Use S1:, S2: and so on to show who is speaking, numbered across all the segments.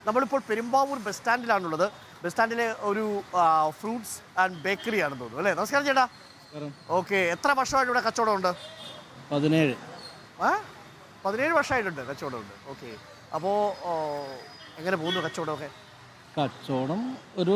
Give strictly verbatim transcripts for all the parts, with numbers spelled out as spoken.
S1: നമ്മളിപ്പോൾ പെരുമ്പാവൂർ ബസ് സ്റ്റാൻഡിലാണുള്ളത്. ബസ് സ്റ്റാൻഡിലെ ഒരു ഫ്രൂട്ട്സ് ആൻഡ് ബേക്കറി ആണെന്ന് തോന്നുന്നു അല്ലേ? നമസ്കാരം ചേട്ടാ. ഓക്കെ, എത്ര വർഷമായിട്ട് ഇവിടെ കച്ചവടം ഉണ്ട്?
S2: പതിനേഴ്
S1: ആ പതിനേഴ് വർഷമായിട്ടുണ്ട് കച്ചവടമുണ്ട്. ഓക്കെ, അപ്പോൾ എങ്ങനെ പോകുന്നു കച്ചവടമൊക്കെ?
S2: കച്ചവടം ഒരു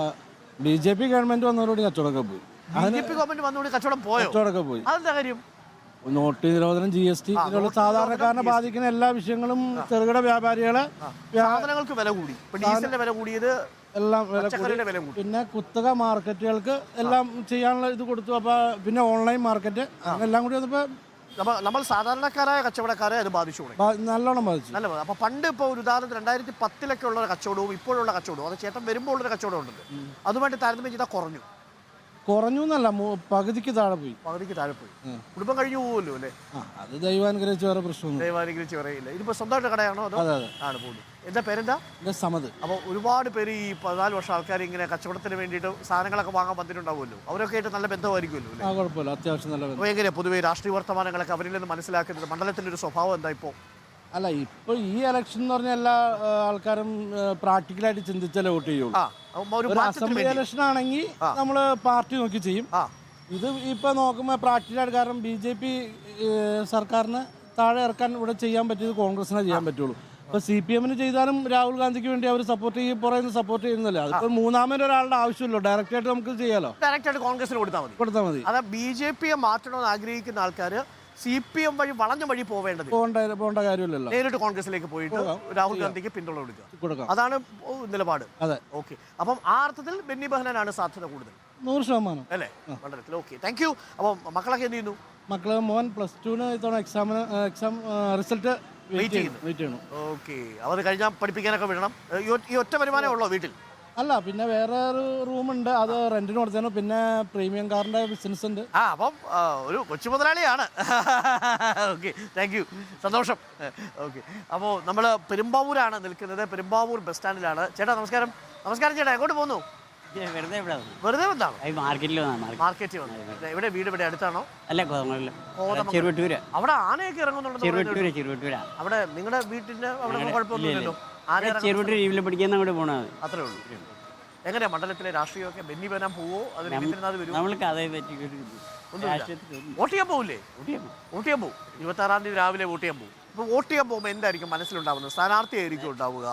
S2: ബി ജെ പി ഗവൺമെന്റ് വന്നതോടുകൂടി കച്ചവടമൊക്കെ പോയി.
S1: ബി ജെ പി ഗവൺമെന്റ് വന്നതോടെ കച്ചവടം പോയോ?
S2: കച്ചവടമൊക്കെ പോയി.
S1: അതെന്താ കാര്യം?
S2: നോട്ട് നിരോധനം, ജി എസ് ടി, ഇതിലുള്ള സാധാരണക്കാരനെ ബാധിക്കുന്ന എല്ലാ വിഷയങ്ങളും ചെറുകിട വ്യാപാരികളെ
S1: സാധനങ്ങൾക്ക് വില കൂടി, ഡീസലിന്റെ വില കൂടിയത്,
S2: എല്ലാം വില
S1: വില കൂടി.
S2: പിന്നെ കുത്തക മാർക്കറ്റുകൾക്ക് എല്ലാം ചെയ്യാനുള്ള ഇത് കൊടുത്തു. അപ്പൊ പിന്നെ ഓൺലൈൻ മാർക്കറ്റ് എല്ലാം കൂടി വന്നപ്പോ
S1: നമ്മൾ സാധാരണക്കാരായ കച്ചവടക്കാരെ അത് ബാധിച്ചു,
S2: നല്ലോണം ബാധിച്ചു.
S1: നല്ല. അപ്പൊ പണ്ട് ഇപ്പോൾ ഒരു ഉദാഹരണത്തിന് രണ്ടായിരത്തി പത്തിലൊക്കെ ഉള്ള കച്ചവടവും ഇപ്പോഴുള്ള കച്ചവടവും, അത് ചേട്ടൻ വരുമ്പോൾ ഉള്ളൊരു കച്ചവടം ഉണ്ടല്ലോ, അതുമായിട്ട് താരതമ്യം ചെയ്താൽ കുറഞ്ഞു.
S2: കുറഞ്ഞു എന്നല്ല, പകുതിക്ക് താഴെ പോയി.
S1: പകുതിക്ക് താഴെ പോയി. കുടുംബം കഴിഞ്ഞു പോകുമല്ലോ അല്ലേ?
S2: അത് ദൈവാനുഗ്രഹിച്ച് വേറെ പ്രശ്നമൊന്നും.
S1: ദൈവാനുഗ്രഹിച്ച് പറയില്ല. ഇതിപ്പോ സ്വന്തമായിട്ട് കടയാണോ അതോ? ആണ് പോകുന്നത്. എന്താ പേരെന്താ?
S2: സമത്.
S1: അപ്പോൾ ഒരുപാട് പേര് ഈ പതിനാല് വർഷം ആൾക്കാർ ഇങ്ങനെ കച്ചവടത്തിന് വേണ്ടിയിട്ട് സാധനങ്ങളൊക്കെ വാങ്ങാൻ വന്നിട്ടുണ്ടാവുമല്ലോ, അവരൊക്കെ ആയിട്ട് നല്ല ബന്ധമായിരിക്കുമല്ലോ.
S2: ആ, കുഴപ്പമില്ല, അത്യാവശ്യം നല്ല ബന്ധം.
S1: അപ്പോൾ എങ്ങനെയാ പൊതുവേ രാഷ്ട്രീയ വർത്തമാനങ്ങളൊക്കെ അവരിൽ നിന്ന് മനസ്സിലാക്കുന്നത്? മണ്ഡലത്തിന്റെ ഒരു സ്വഭാവം എന്താ ഇപ്പോൾ?
S2: അല്ല, ഇപ്പൊ ഈ ഇലക്ഷൻ എന്ന് പറഞ്ഞാൽ എല്ലാ ആൾക്കാരും പ്രാക്ടിക്കലായിട്ട് ചിന്തിച്ചാലേ വോട്ട് ചെയ്യുള്ളൂ. ഒരു അസംബ്ലി ഇലക്ഷൻ ആണെങ്കിൽ നമ്മള് പാർട്ടി നോക്കി ചെയ്യും. ഇത് ഇപ്പൊ നോക്കുമ്പോൾ പ്രാക്ടിക്കലായിട്ട്, കാരണം ബി ജെ പി സർക്കാരിന് താഴെ ഇറക്കാൻ ഇവിടെ ചെയ്യാൻ പറ്റിയത് കോൺഗ്രസിനെ ചെയ്യാൻ പറ്റുള്ളൂ. ഇപ്പൊ സി പി എമ്മിന് ചെയ്താലും രാഹുൽ ഗാന്ധിക്ക് വേണ്ടി അവർ സപ്പോർട്ട് ചെയ്യും, പുറമെ സപ്പോർട്ട് ചെയ്യുന്നില്ല. അതിപ്പോ മൂന്നാമത് ഒരാളുടെ ആവശ്യമില്ലോ, ഡയറക്റ്റ് ആയിട്ട് നമുക്ക് ചെയ്യാലോ.
S1: ഡയറക്റ്റ് ആയിട്ട് കോൺഗ്രസിന് കൊടുത്താൽ മതി
S2: കൊടുത്താൽ മതി
S1: അതാ ബി ജെ പിയെ മാറ്റണമെന്ന് ആഗ്രഹിക്കുന്ന ആൾക്കാര് സി പി എം വഴി വളഞ്ഞ വഴി പോവേണ്ടത്,
S2: പോകേണ്ട കാര്യമില്ലല്ലോ.
S1: നേരിട്ട് കോൺഗ്രസിലേക്ക് പോയിട്ട് രാഹുൽ ഗാന്ധിക്ക് പിന്തുണ കൊടുക്കുക, അതാണ് നിലപാട്.
S2: അതെ,
S1: ഓക്കെ. അപ്പം ആ അർത്ഥത്തിൽ ബെന്നി ബെഹനാനാണ് സാധ്യത കൂടുതൽ,
S2: നൂറ് ശതമാനം അല്ലേ
S1: മണ്ഡലത്തിൽ? Okay, thank you. അപ്പം മക്കളൊക്കെ എന്ത് ചെയ്യുന്നു?
S2: മക്കള് മോൻ പ്ലസ് ടുവിന് ഇത്തവണ എക്സാമിന് എക്സാം റിസൾട്ട് വെയിറ്റ് ചെയ്യണം.
S1: ഓക്കെ, അവർ കഴിഞ്ഞാൽ പഠിപ്പിക്കാനൊക്കെ വിടണം. ഈ ഒറ്റ വരുമാനമേ ഉള്ളോ വീട്ടിൽ?
S2: അല്ല, പിന്നെ വേറെ ഒരു റൂമുണ്ട്, അത് റെന്റിന് കൊടുത്തേനു. പിന്നെ പ്രീമിയം കാറിന്റെ ബിസിനസ് ഉണ്ട്.
S1: ആ, അപ്പം ഒരു കൊച്ചു മുതലാളിയാണ്. ഓക്കെ, താങ്ക് യു, സന്തോഷം. ഓക്കെ, അപ്പോൾ നമ്മൾ പെരുമ്പാവൂരാണ് നിൽക്കുന്നത്, പെരുമ്പാവൂർ ബസ് സ്റ്റാൻഡിലാണ്. ചേട്ടാ നമസ്കാരം. നമസ്കാരം ചേട്ടാ, എങ്ങോട്ട് പോകുന്നു? വെറുതെ വന്നാണോ?
S3: മാർക്കറ്റിൽ
S1: മാർക്കറ്റിൽ വന്നു. ഇവിടെ വീട് ഇവിടെ അടുത്താണോ?
S3: അല്ല,
S1: അവിടെ ആനയൊക്കെ ഇറങ്ങുന്നുണ്ടല്ലോ. അവിടെ നിങ്ങളുടെ വീട്ടിന്റെ അവിടെ കുഴപ്പമൊന്നുമില്ലല്ലോ. അത്രേ ഉള്ളൂ. എങ്ങനെയാ മണ്ഡലത്തിലെ രാഷ്ട്രീയമൊക്കെ? ബെന്നി ബെഹനാൻ പോവോ? അത് വോട്ട് ചെയ്യാൻ പോവില്ലേ? വോട്ട് ചെയ്യാൻ പോകും. ഇരുപത്തി ആറാം തീയതി രാവിലെ വോട്ട് ചെയ്യാൻ പോകും. ഇപ്പൊ വോട്ട് ചെയ്യാൻ പോകുമ്പോൾ എന്തായിരിക്കും മനസ്സിലുണ്ടാവുന്നത്? സ്ഥാനാർത്ഥി ആയിരിക്കും ഉണ്ടാവുക.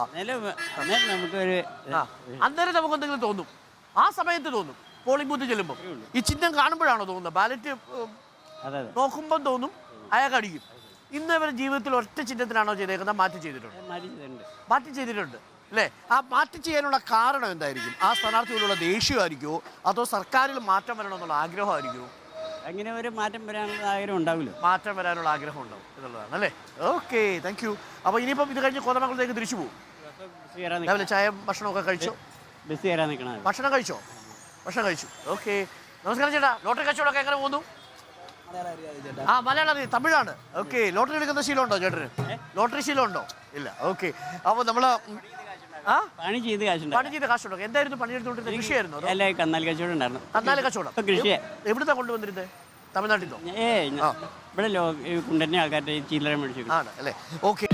S1: അന്നേരം നമുക്ക് എന്തെങ്കിലും തോന്നും, ആ സമയത്ത് തോന്നും. പോളിംഗ് ബൂത്ത് ചെല്ലുമ്പോൾ ഈ ചിഹ്നം കാണുമ്പോഴാണോ തോന്നുന്നത്? ബാലറ്റ് നോക്കുമ്പോൾ തോന്നും അയാൾക്ക് അടിക്കും. ഇന്ന് ഇവരുടെ ജീവിതത്തിൽ ഒറ്റ ചിഹ്നത്തിനാണോ ചെയ്തേക്കുന്നത്? മാറ്റി ചെയ്തിട്ടുണ്ട്. മാറ്റി ചെയ്തിട്ടുണ്ട് അല്ലേ? ആ മാറ്റി ചെയ്യാനുള്ള കാരണം എന്തായിരിക്കും? ആ സ്ഥാനാർത്ഥിയോടുള്ള ദേഷ്യമായിരിക്കുമോ, അതോ സർക്കാരിൽ മാറ്റം വരണമെന്നുള്ള ആഗ്രഹമായിരിക്കുമോ?
S3: അങ്ങനെ ഒരു മാറ്റം വരാനുള്ള ആഗ്രഹം ഉണ്ടാവില്ല.
S1: മാറ്റം വരാനുള്ള ആഗ്രഹം ഉണ്ടാവും എന്നുള്ളതാണ് അല്ലേ? Okay, thank you. അപ്പോൾ ഇനിയിപ്പം ഇത് കഴിഞ്ഞ് കോതമംഗലത്തേക്ക് തിരിച്ചു പോകും. രാവിലെ ചായ ഭക്ഷണമൊക്കെ കഴിച്ചോ?
S3: ബസ് കയറാൻ നിൽക്കണം.
S1: ഭക്ഷണം കഴിച്ചോ? ഭക്ഷണം കഴിച്ചു. ഓക്കെ, നമസ്കാരം ചേട്ടാ. ലോട്ടറി കച്ചവടമൊക്കെ എങ്ങനെ പോകുന്നു? ആ, മലയാളം അറിയാം, തമിഴാണ്. ഓക്കെ, ലോട്ടറി എടുക്കുന്ന ശീലമുണ്ടോ ചേട്ടന്? ലോട്ടറി ശീലമുണ്ടോ? ഇല്ല. ഓക്കെ, അപ്പോൾ നമ്മള്
S3: പണി ചെയ്ത് കാശുണ്ട്.
S1: പണി ചെയ്ത് കാശുണ്ടോ? എന്തായിരുന്നു പണിയെടുത്തോണ്ടിരുന്നത്? കൃഷിയായിരുന്നു?
S3: കന്നാലി കച്ചവടം ഉണ്ടായിരുന്നു.
S1: കന്നാലി കച്ചവടം. കൃഷി എവിടുന്നാ കൊണ്ടുവന്നിരുന്നത്? തമിഴ്നാട്ടിൽ നിന്നോ?
S3: ഏ ഇവിടെ കുണ്ടന്റെ ആൾക്കാരുടെ ചില്ലറ മേടിച്ചു
S1: ആണ് അല്ലേ? ഓക്കെ.